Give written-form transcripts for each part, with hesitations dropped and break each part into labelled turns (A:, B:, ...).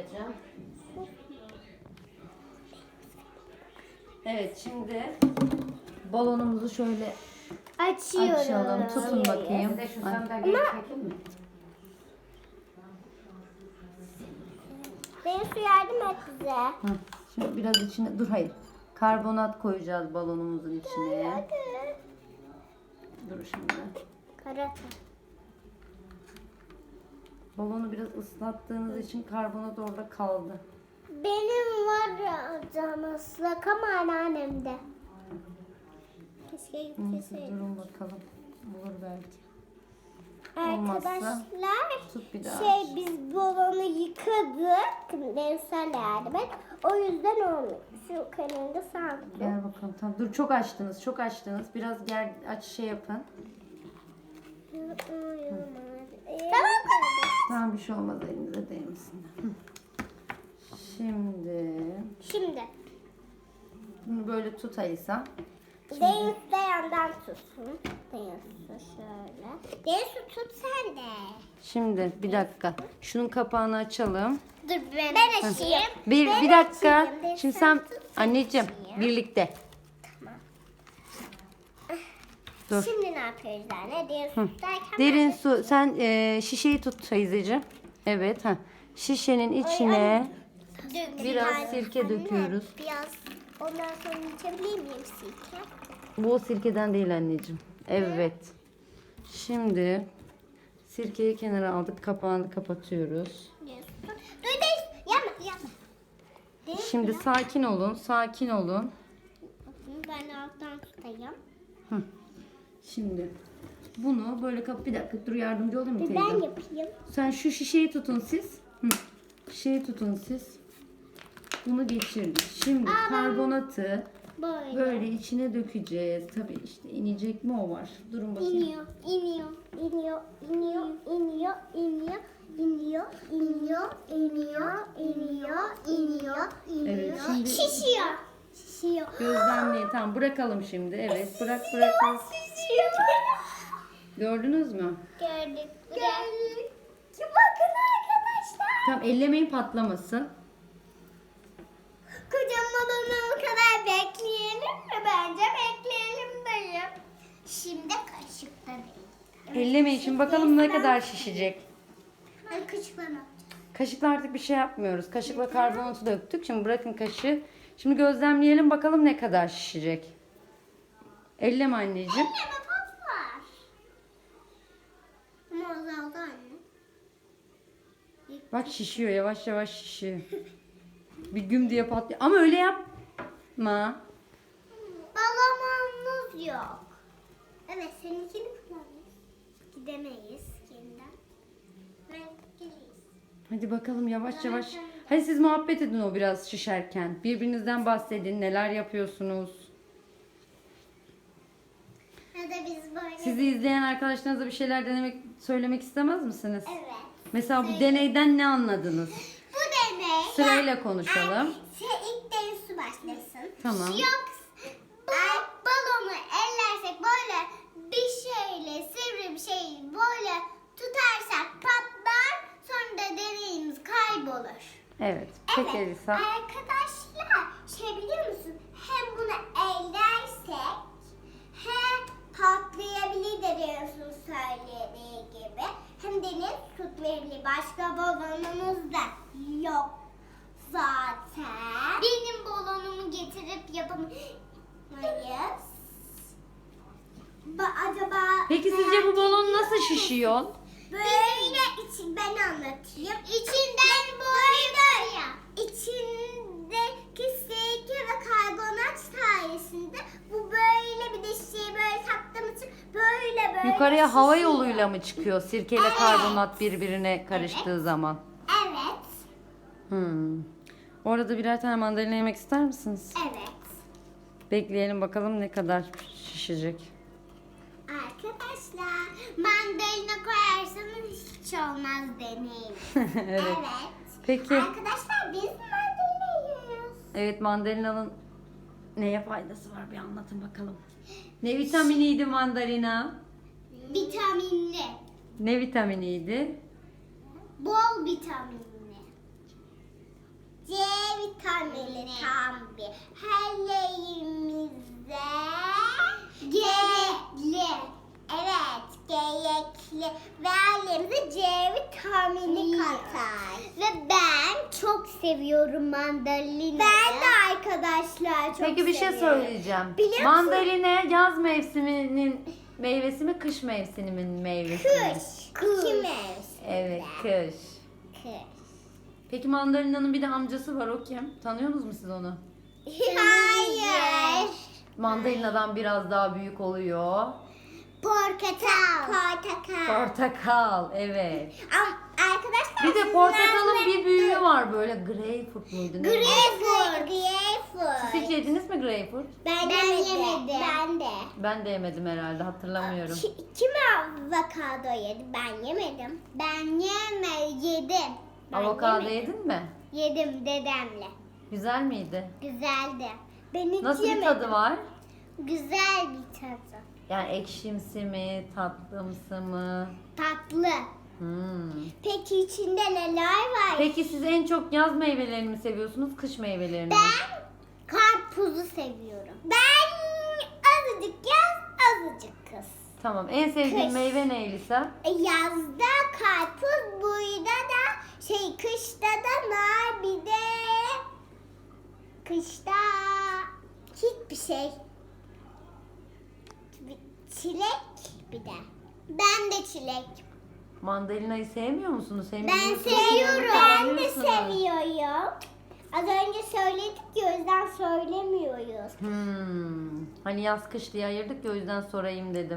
A: koyacağım. Evet, şimdi balonumuzu şöyle
B: Açıyorum.
A: açalım. Tutun bakayım.
C: Bir de şu sandalyeyi çekeyim mi?
B: Benim su yardım et bize.
A: Hı. Şimdi biraz içine, dur hayır. Karbonat koyacağız balonumuzun içine.
B: Hadi.
A: Dur şimdi.
B: Karata.
A: Balonu biraz ıslattığınız için karbonat orada kaldı.
B: Benim var canım ıslak ama anneannemde. Keşke
A: Neyse,
B: yükleseydim.
A: durun bakalım. Olur belki. Olmazsa
B: Arkadaşlar
A: tut bir daha.
B: biz balonu yıkadık. Mevsel yardım et. O yüzden olmuyor. Şu kenarında sanki.
A: Gel bakalım. Tamam. Dur, çok açtınız. Çok açtınız. Biraz gel aç şey yapın.
B: Tamam.
A: Tamam, bir şey olmaz, elinize değmesin. Hı. Şimdi bunu böyle tut Alisa.
B: Deniz de yandan tutsun. Deniz şöyle. Deniz tut sen de.
A: Şimdi bir dakika. Şunun kapağını açalım.
B: Dur ben açayım.
A: Bir dakika.
B: açayım.
A: Şimdi
B: Sen
A: sen
B: tut,
A: anneciğim
B: açayım.
A: birlikte. Dur.
B: Şimdi ne yapıyoruz anne? Deniz tutarken
A: Derin su. Sen şişeyi tut teyzeciğim. Evet. Ha. Şişenin içine biraz sirke döküyoruz.
B: Biraz ondan sonra içebilir miyim sirke?
A: Bu sirkeden değil anneciğim. Evet. Şimdi sirkeyi kenara aldık. Kapağını kapatıyoruz.
B: Deniz tut. Dur Deniz. Yapma. Deniz
A: Şimdi sakin olun. Sakin olun.
B: ben alttan tutayım.
A: Şimdi bunu böyle bir dakika, dur, yardımcı olayım mı teyze?
B: Ben yapayım.
A: Sen şu şişeyi tutun siz. Şişeyi tutun siz. Bunu geçirdik. Şimdi karbonatı böyle içine dökeceğiz. Tabii işte inecek mi o var. Durun bakayım.
B: İniyor.
A: Evet, şimdi
B: Şişiyor.
A: gözlemleyin. Tamam, bırakalım şimdi. Evet, bırak.
B: Şişiyor.
A: Gördünüz mü?
B: Gördük. Bakın arkadaşlar.
A: Tamam, ellemeyin, patlamasın.
B: Kocaman olana kadar bekleyelim mi? Bence bekleyelim dayım. Şimdi kaşıkla değil.
A: Ellemeyin. Şimdi bakalım ne kadar şişecek.
B: Ben kaşıkla ne yapacağım?
A: Kaşıkla artık bir şey yapmıyoruz. Kaşıkla karbonatı döktük. Şimdi bırakın kaşığı. Şimdi gözlemleyelim bakalım ne kadar şişecek. Elleme anneciğim.
B: Elleme patlar. Ama azaldı anne.
A: Bak şişiyor, yavaş yavaş şişiyor. Bir güm diye patlıyor. Ama öyle yapma.
B: Balonumuz yok. Evet, seninkini kullanırız. Gidemeyiz yeniden. Ben geleyiz.
A: Hadi bakalım yavaş yavaş. Hadi siz muhabbet edin o biraz şişerken. Birbirinizden bahsedin. Neler yapıyorsunuz?
B: Ya da biz böyle...
A: Sizi izleyen arkadaşlarınıza bir şeyler söylemek istemez misiniz?
B: Evet.
A: Mesela bu deneyden ne anladınız?
B: Bu deney...
A: Sırayla konuşalım.
B: İlk deneyi su başlasın.
A: Tamam.
B: Balonu ellersek böyle bir şeyle, sivri bir şey böyle tutarsak patlar. Sonra da deneyimiz kaybolur.
A: Evet. Peki Elisa.
B: Arkadaşlar şey biliyor musun? Hem bunu ellersek hem patlayabilir de diyorsun söylediği gibi. Hem deniz tut verebilir. Başka balonumuz da yok zaten. Benim balonumu getirip yapamayız. Acaba...
A: Peki sizce bu balon nasıl şişiyor?
B: Böyle ben anlatayım. İçinden böyle içindeki sirke ve karbonat sayesinde bu böyle bir de şeyi böyle taktığım için böyle
A: Yukarıya hava
B: şişiyor.
A: yoluyla mı çıkıyor sirkeyle karbonat birbirine karıştığı zaman?
B: Evet.
A: Orada birer tane mandalina yemek ister misiniz?
B: Evet.
A: Bekleyelim bakalım ne kadar şişecek.
B: Arkadaşlar mandalina koyarsanız hiç olmaz deneyim.
A: Evet. Peki.
B: Arkadaşlar biz mandalina yiyoruz.
A: Evet, mandalinanın neye faydası var bir anlatın bakalım. Ne vitaminiydi mandalina?
B: Vitaminli.
A: Ne vitaminiydi?
B: Bol vitaminli. C vitamini tam bir herleğimize gerekli. Evet, gerekli ve ailemize C vitamini katar. Ve ben çok seviyorum mandalinayı. Ben de arkadaşlar çok
A: Peki bir şey söyleyeceğim.
B: Biliyor musun?
A: Mandalina yaz mevsiminin meyvesi mi, kış mevsiminin meyvesi mi?
B: Kış. İki mevsim.
A: Evet, kış.
B: Kış.
A: Peki mandalina'nın bir de amcası var, o kim? Tanıyorsunuz mu siz onu?
B: Hayır.
A: Mandalinadan biraz daha büyük oluyor.
B: Portakal. Portakal.
A: Portakal, evet.
B: Arkadaşlar
A: Bir de portakalın bir büyüğü var böyle, greyfurt muydu? Ne?
B: Greyfurt.
A: Siz hiç yediniz mi greyfurt?
B: Ben yemedim. Ben de.
A: Ben de yemedim herhalde, hatırlamıyorum.
B: Kim avokado yedi? Ben yemedim. Ben yedim.
A: Avokado yedin mi?
B: Yedim dedemle.
A: Güzel miydi?
B: Güzeldi. Ben hiç
A: Nasıl bir
B: yemedim.
A: tadı var?
B: Güzel bir tadı.
A: Yani ekşimsi mi, tatlımsı mı?
B: Tatlı. Peki içinde neler var?
A: Peki siz en çok yaz meyvelerini mi seviyorsunuz, kış meyvelerini mi?
B: Ben karpuzu seviyorum. Ben azıcık yaz, azıcık kış.
A: Tamam. En sevdiğin
B: Kış.
A: meyve ne Elisa?
B: Yazda karpuz, burada da kışta da nar, bir de kışta hiçbir şey. Çilek bir de. Ben de çilek.
A: Mandalinayı sevmiyor musunuz? Hem
B: Ben
A: yiyorsunuz,
B: seviyorum.
A: hem
B: Ben de
A: alıyorsunuz.
B: seviyorum. Az önce söyledik ya, o yüzden söylemiyoruz.
A: Hani yaz kış diye ayırdık ya, o yüzden sorayım dedim.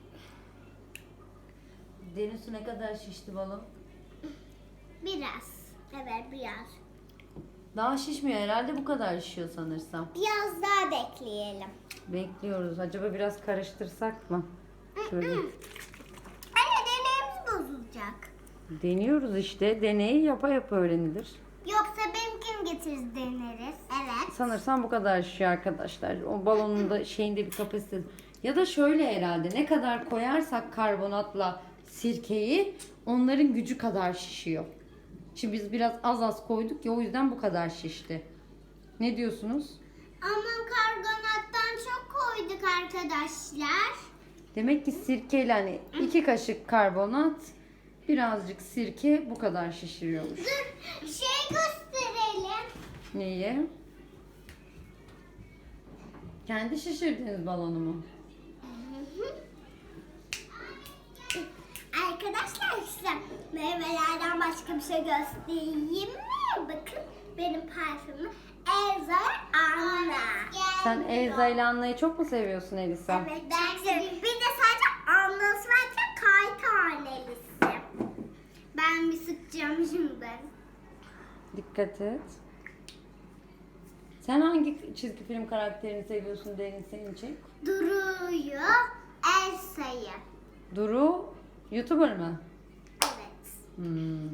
A: Deniz ne kadar şişti balon?
B: Biraz. Evet, biraz.
A: Daha şişmiyor herhalde, bu kadar şişiyor sanırsam.
B: Biraz daha bekleyelim.
A: Bekliyoruz. Acaba biraz karıştırsak mı? Şöyle.
B: Anne, deneyimiz bozulacak.
A: Deniyoruz işte. Deneyi yapa yapa öğrenilir.
B: Yoksa benimkini getiririz, deneriz. Evet.
A: Sanırsam bu kadar şişiyor arkadaşlar. O balonun da şeyinde bir kapasitesi. Ya da şöyle herhalde, ne kadar koyarsak karbonatla sirkeyi, onların gücü kadar şişiyor. Şimdi biz biraz az koyduk ya, o yüzden bu kadar şişti. Ne diyorsunuz?
B: Ama karbonattan çok koyduk arkadaşlar.
A: Demek ki sirkeyle, hani 2 kaşık karbonat, birazcık sirke bu kadar şişiriyormuş.
B: Dur, gösterelim.
A: Neyi? Kendi şişirdiğiniz balonu mu?
B: Arkadaşlar, size meyvelerden başka bir şey göstereyim mi? Bakın, benim parfümüm Elza Anna.
A: Sen Elza ile Anna'yı çok mu seviyorsun Elisa?
B: Evet, bir de sadece Anna'sı varken kay tanelisi. Ben bir sıkacağım şimdi.
A: Dikkat et. Sen hangi çizgi film karakterini seviyorsun Derin, senin için?
B: Duru'yu, Elsa'yı.
A: Duru YouTuber mı?
B: Evet.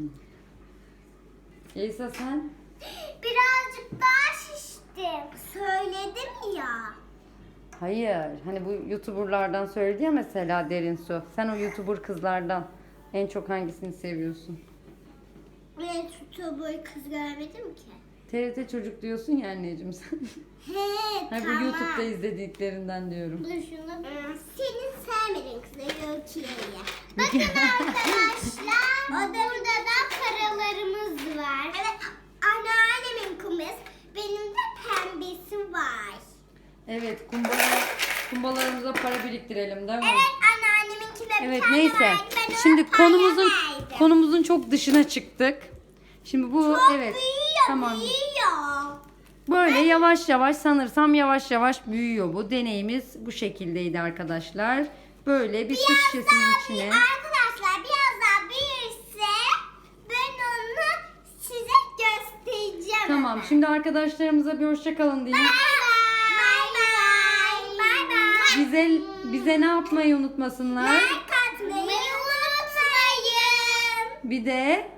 A: Elisa sen?
B: Birazcık daha şiştim. Söyledim ya.
A: Hayır. Hani bu YouTuber'lardan söyledi ya mesela Derin Su. Sen o YouTuber kızlardan en çok hangisini seviyorsun?
B: Ben tutubu kız görmedim ki.
A: TRT Çocuk diyorsun ya anneciğim sen.
B: He,
A: Ha, bu
B: tamam.
A: YouTube'da izlediklerinden diyorum.
B: Dur şunu. Senin sevmediğin kızı Öykü'ye. Bakın arkadaşlar. Burada da paralarımız var. Evet, anneannemin kumbası. Benim de pembesi var.
A: Evet, kumbalarımıza para biriktirelim değil mi?
B: Evet, anneanneminki de bir
A: Evet,
B: tane
A: neyse.
B: vardı. Ben ona
A: Şimdi
B: para verdim.
A: konumuzun çok dışına çıktık. Şimdi bu
B: Çok
A: evet.
B: büyüyor,
A: Tamam.
B: büyüyor.
A: Böyle yavaş yavaş, sanırsam yavaş yavaş büyüyor bu. Deneyimiz bu şekildeydi arkadaşlar. Böyle bir su şişesinin içine.
B: Arkadaşlar, biraz daha büyürse ben onu size göstereceğim.
A: Tamam,
B: hemen.
A: şimdi arkadaşlarımıza bir hoşça kalın diyeyim.
B: Bye bye.
A: Bize ne yapmayı unutmasınlar.
B: Like atmayı unutmayın.
A: Bir de